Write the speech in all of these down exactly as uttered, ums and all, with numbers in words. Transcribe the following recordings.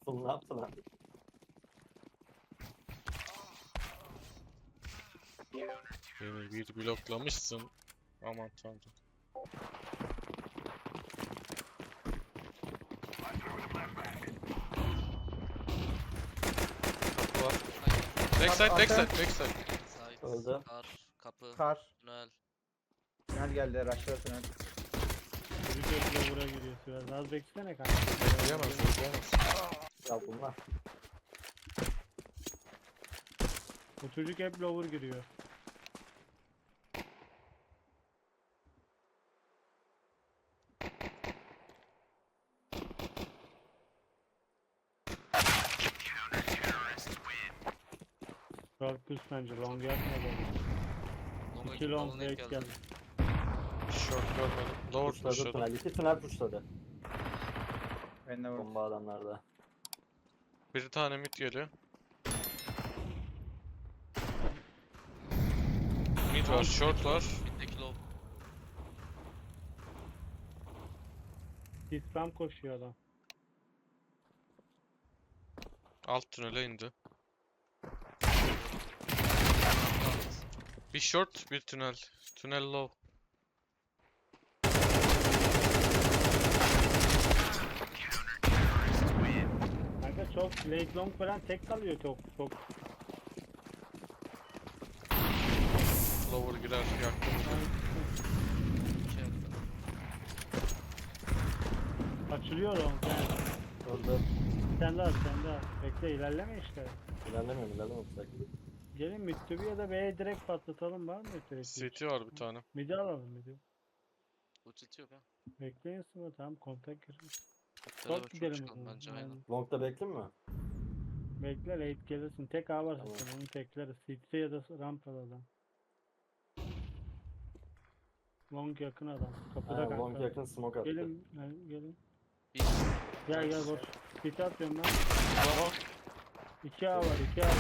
yaptın ne yaptın abi? Beni bir bloklamışsın. Aman tanrım. Kapı var. Backside, backside, backside. Side, Öldü. kar, kapı, Kar. tünel. Tünel geldi. Rush'la tünel. Çocuk hep lower'a giriyor biraz. Az beklesene kanka. Bekleyemez, bekleyemez. Ya bunlar. O çocuk hep lower giriyor. Short push bence. Long yapmadı. Longa İki gidip long alana ilk break geldi. geldi. Short görmedim. Lower Pushladı pushladı. tünel. İki tünel pushladı. Ben de vurdum. Bomba adamlarda. Bir tane mid geliyor. Mid var, short var. Middeki low. Disram koşuyor adam. Alt tünele indi. Bir short, bir tünel. Tünel low. Kanka çok late long falan tek kalıyor çok çok. Lower girer, yaktım. Şey yaptı. Açılıyor long yani. Öldü. Sen daha sen daha. Bekle ilerleme işte. İlerlemiyorum ilerlemiyorum. Sakin. Gelin Mitsubi ya da B'ye direkt patlatalım var mı direkt? City var bir tane. Midi alalım midi. Ulti yok ha. Bekleyin sıra tamam kontak girin. Beraber Çok çok gidelim o çıkalım zaman. bence aynen. Long'da bekleyeyim mi? Bekle late gelirsin. Tek A var Tamam. zaten onu tekleriz. City ya da rampada adam. Long yakın adam. Kapıda Ha, kanka. long yakın smoke attı. Gelin gel- gelin. Bir Gel gel boş. City atıyorum ben. Bravo. iki A var iki A var.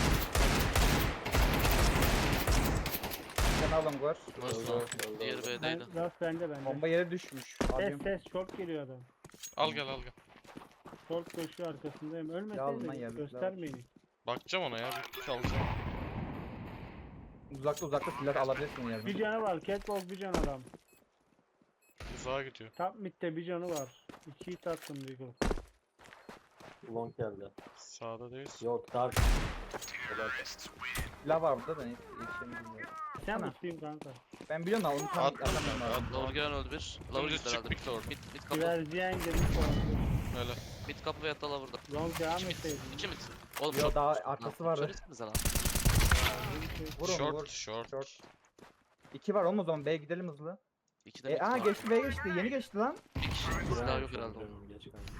Bir tane alım var. Nasıl? Öldü, öldü, Diğeri öldü. B'deydi. Ben, rast bende bende. Bomba yere düşmüş. Ses Abim. ses çok geliyor adam. Al gel, al gel. Short koşuyor arkasındayım. Ya lan Ölmeseydin ya, göstermeyin. Bakacağım ona ya, bir alacağım. Uzakta uzakta silah alabilirsin Bir yerden. canı var. Catwalk bir can adam. Uzağa gidiyor. Top mid'de bir canı var. İki hit attım Deagle. Long geldi. Sağda değil. Yok dark. Kadar. Silah var burada da neyse. Yetişemi bilmiyorum. Sen Ana. misin kanka? Ben biliyorum da onu tam At- atamıyorum abi. at- Lower gelen öldü bir. Lower Dümdüz gitti çık herhalde. mid lower. Mid, mid kapı. Güverciyen girmiş falan. Öyle. Mid kapı veyahut da lower'da. Long devam İki mid. etseydin. İki mid. Oğlum Yo çok- daha Lan, arkası vardı. söylesenize lan. Vur onu Short, vur. short. Short. İki var oğlum o zaman B'ye gidelim hızlı. İki de E mid aa var. geçti B'ye geçti. Yeni geçti lan. Bir kişi. Silah yok herhalde. Dönüyorum, geç kanka.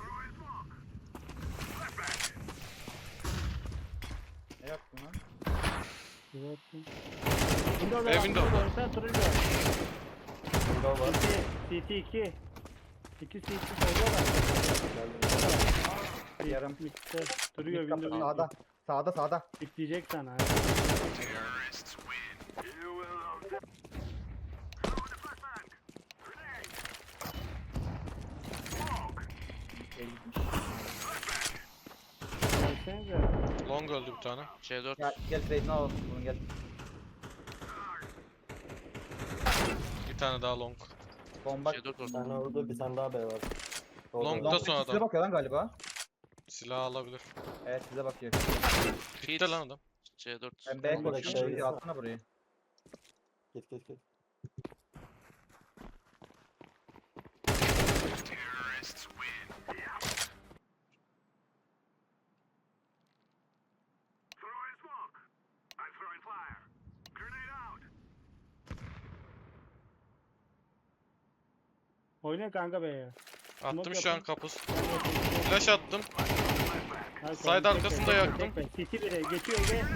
Ne yaptın lan? Güvercin. Window E, window. Sen turuncu. Window var. C T iki. İki C T koyuyorlar. Geldim. Yarım. Mid'de duruyor Mid kapı window. sağda. Sağda sağda. Bitleyecek sana. Şey gitmiş. Gelsenize. Long öldü bir tane. C dört. Gel gel Zeytin'i alalım. Bunu gel. Bir tane daha long. Bomba. C dört Bir orada. tane orada bir tane daha B var. Doğru. Long- Long sonra size adam. bakıyor lan galiba. Silah alabilir. Evet size bakıyor. Bitti lan adam. C dört. Ben B'ye Bomba koşuyorum. şey- Şurayı atsana burayı. Git git git. Oyna kanka B'ye. Attım şu an yapın. kapus. Flash attım. Hadi Side koyun, arkasında tekme, yaktım. tekme. City bire geçiyor Ege. Öldü.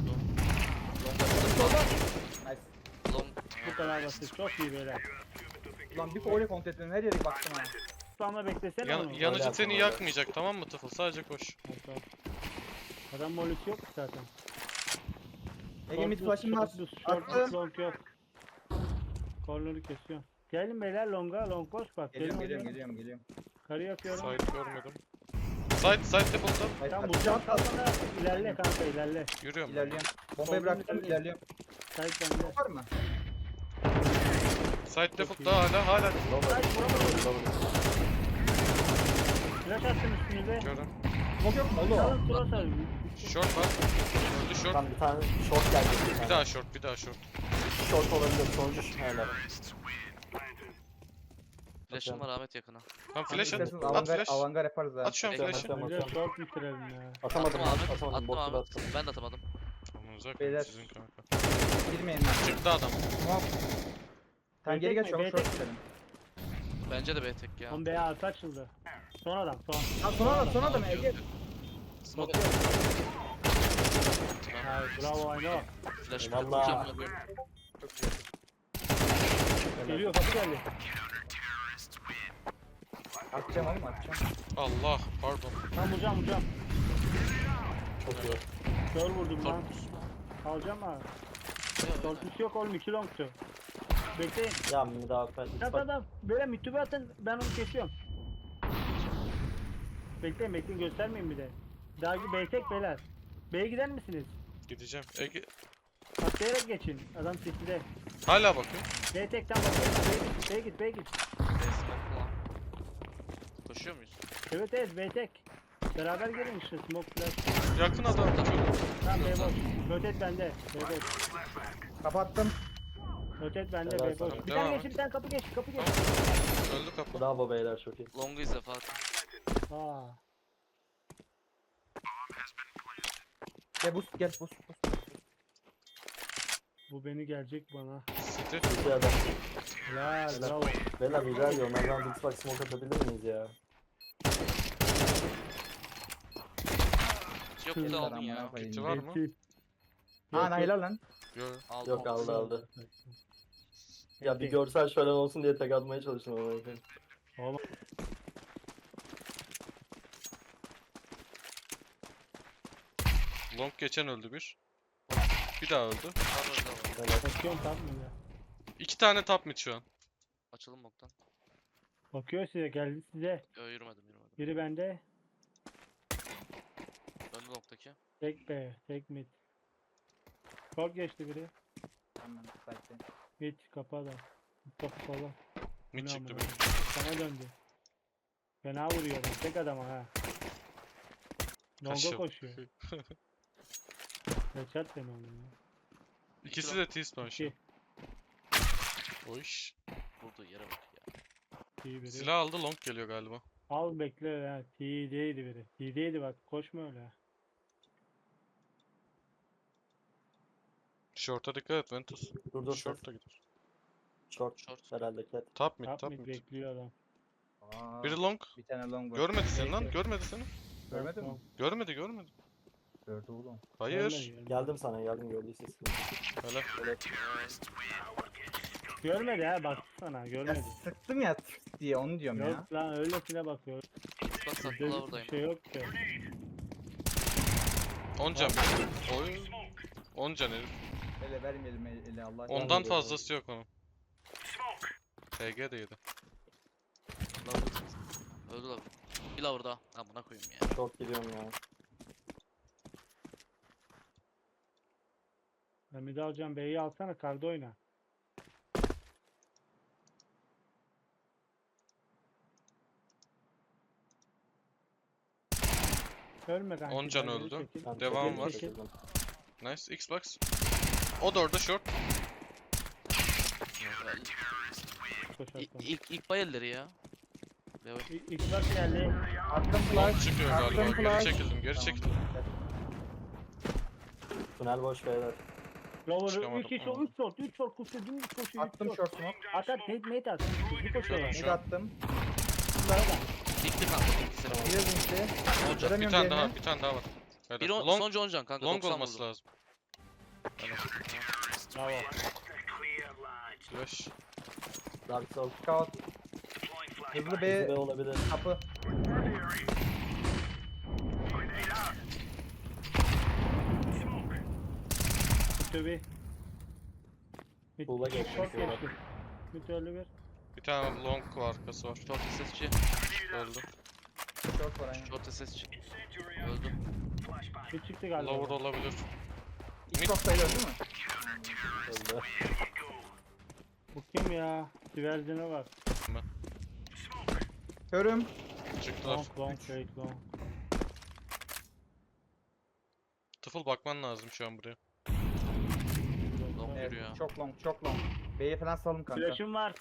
Nice. Long. Bu kadar basit. Çok iyi böyle. Ulan bir öyle kontrol ettim. Her yere baktım ha. Tutanla beklesene Yan, onu. yanıcı Öyle seni yapma, öyle. yakmayacak, tamam mı Tıfıl? Sadece koş. Hatta. Adam molisi yok ki zaten. Ege mid Short flash'ım var. düz, short düz, Attım. long yok. Corner'ı kesiyor. Gelin beyler longa, long koş bak. Geliyorum Gelin geliyorum hadi. geliyorum geliyorum. Karı yapıyorum. Side görmedim. Side side default'ta. Hayır, Tam hadi. vuracağım kalsana. İlerle kanka ilerle. Yürüyorum. İlerliyorum. Bombayı Soldan bıraktım ilerle. ilerliyorum. Sait bende. Var mı? Side default'ta hala hala. Sait vuramadım. Flash attım üstünüze. Gördüm. Smoke yok mu oğlum? Salın cross al. Short var. Öldü short. Tam bir tane short geldi. Bir Bir tane. daha short, bir daha short. Short olabilir. Sonuncu hala. Flash'ım var Ahmet yakına. Tam flash at. İsterseniz At avangar, flash. avangar yaparız ha. At şu an Direkt flash'ı. Atıyorum, Bir de atıyorum. short bitirelim ya. Atamadım Attım lan. Ahmet. Atamadım. Attım Botu da Ahmet. attım. Ben de atamadım. Aman uzak Beyler. sizin kanka. Girmeyin lan. Çıktı adam. Smoke. Sen geri Beytek geç şu mi? an Beytek short mi? gidelim. Bence de B tek ya. On B'ye artı açıldı. Son adam son. Lan son adam son adam Ege. Smoke. Ay bravo Ayno. Flash Eyvallah. vuracağım. Geliyor kapı geldi. Atacağım oğlum atacağım. Allah pardon. Tam vuracağım vuracağım. Çok iyi. Kör vurdum lan. Torpus. Alacağım ha. Torpus yok oğlum iki longtu. Bekleyin. Ya bir daha ben Tamam tamam tamam. Böyle mitübe atın ben onu kesiyorum. Bekleyin bekleyin göstermeyin bir de. Daha B tek beyler. B'ye gider misiniz? Gideceğim. Ege. Atlayarak geçin. Adam sesli. Hala bakıyor. B tekten bakıyorum. B'ye git B'ye git. B smoke lan. Koşuyor muyuz? Evet evet B tek. Beraber gelin işte smoke flash. Yakın adam. Tamam B boş. Rotate bende. B boş. Kapattım. Rotate bende Helal B boş. sana. Bir Devam tane et. geçin bir tane kapı geç kapı geç. Öldü kapı. Bravo beyler çok iyi. Long'u izle Fatih. Aa. Gel boost gel boost boost. Bu beni gelecek bana. City. İki adam. Helal bravo. Beyler rica ediyorum. Onlardan Xbox smoke atabilir miyiz ya? Yok Kızlar da aldın amına ya. koyayım. Kiti var mı? Eksi. Aa helal lan. Yok. Aldım. Yok aldı aldı. Ya bir Peki. görsel şölen olsun diye tek atmaya çalıştım ama. Oğlum. Long geçen öldü bir. Bir daha öldü. Var orada var. Beyler, Bakıyorum tam mı ya? İki tane top mid şu an. Açalım boktan. Bakıyor size geldi size. Yo yürümedim yürümedim. Biri bende. Öldü noktaki. Tek B. Tek mid. Short geçti biri. Tamam sakin. Mid kapı adam. Mid kapı sola. Mid Ne çıktı amına bir. Sana döndü. Fena vuruyor adam. Tek adama ha. Longa Kaşım. koşuyor. Headshot deme onu ya. İkisi de T-spawn şu. İki. O iş. Vurduğu yere bak ya. İyi biri. Silah aldı, long geliyor galiba. Al bekle ha. T'deydi biri. T'deydi bak. Koşma öyle. Short'a dikkat et Ventus. Dur dur. Short da gider. Short. Short. Herhalde cat. Top mid, Top top mid mid. bekliyor adam. Aa, Biri long. bir tane long var. Görmedi seni Bekle. lan, görmedi seni. Görmedin mi? Görmedi, görmedi. Gördü oğlum. Hayır. Görmedi, Geldim sana geldim gördüyse. Hele. Görmedi ha bak sana Ya görmedi. sıktım ya tık diye onu diyorum ya. Yok lan öylesine bakıyor. Bak Bizde saklı bir buradayım. şey yok ki. on can. Oy. on can herif. Ele vermeyelim ele, ele Allah aşkına. Ondan fazlası yok onun. T G de yedi. Lover. Öldü lover. Bir lover daha. Amına koyayım ya. Short gidiyorum ya. Ben bir de alacağım B'yi alsana karda oyna. Ölme kanka. on can geri öldü. çekil. Ben Devam çok var. iyi çekildim. Nice. Xbox. O da orada short. Koş İ- atla. İlk ilk bay elleri ya. Evet. İ- Xbox geldi. Attım Long flash. çıkıyor Attım galiba. Geri flash. çekildim, geri Tamam. çekildim. Tünel boş beyler. Lower Çıkamadım. üç kişi üç short üç short koşuyor dümdüz koşuyor. üç Attım short smoke. At at nate nate at. Hızlı koşuyor. Şöyle. Mid attım. Bunlara da. Dikti kanka. Dikti seni. Bir linkli. On can. Bir Göremiyorum tane daha, diğerini. bir tane daha var. Hele. Bir on, Long, sonuncu on can kanka. long doksan olması vurdum. lazım. Bravo. Flash. Dark Soul. Scout. Hızlı B B olabilir. kapı. Tabi. Buğla geçti, Short buğla. geçti. Bir türlü bir. Bir tane long var, arkası var. Short S S G. Öldü. Short var aynen. Short'a ses çık. Öldü. Bir çıktı galiba. Lower olabilir. İlk noktayı öldü mü? Öldü. Bu kim ya? Divergine bak. Körüm. Çıktılar. Long long fake long. Tıfıl bakman lazım şu an buraya. Long Evet, yürüyor. çok long, çok long. B'ye falan salın kanka. Flash'ım var.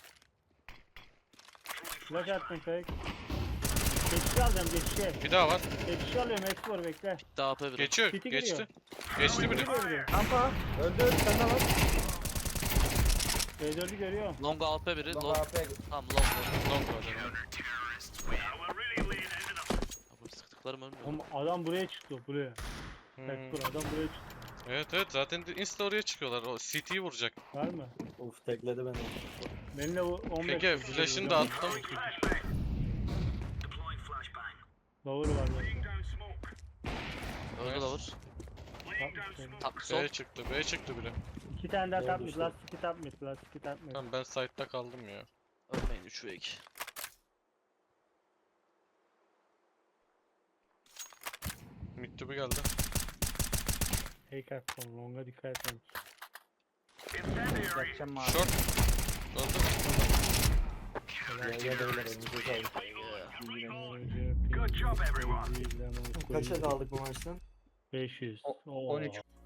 Flash attım fake. Geçişi alacağım geçişi. Bir daha var. Geçişi alıyorum export bekle. Daha A P biri. Geçiyor. City Geçti. geliyor. Geçti biri. Görüyor. Rampa. Öldü, öldü. Sen de var. B dördü görüyor. Long A P biri. Long Long. A P. Tamam long long. Long var yani. Abi sıktıklarım ölmüyor. Oğlum adam buraya çıktı buraya. Hmm. Export adam buraya çıktı. Evet evet zaten de insta oraya çıkıyorlar. O C T'yi vuracak. Var mı? Uf tekledi beni. Benimle bu on beş. Peki flash'ını da attım. Lower var zaten. Öldü lower. Tapmış. Top sol. B çıktı. B çıktı biri. İki tane daha Doğru tapmış. düştü. Last iki tapmış. Last iki tapmış. Tamam ben side'da kaldım ya. Ölmeyin üç ve iki. Mid to be geldi. Fake attım. Long'a dikkat etmemiş. Yakacağım mavi. Short. Öldü. Gel gel beyler elinize sağlık. Good job everyone. Kaça kaldık bu maçtan? beş yüz. O- Oo. on üç.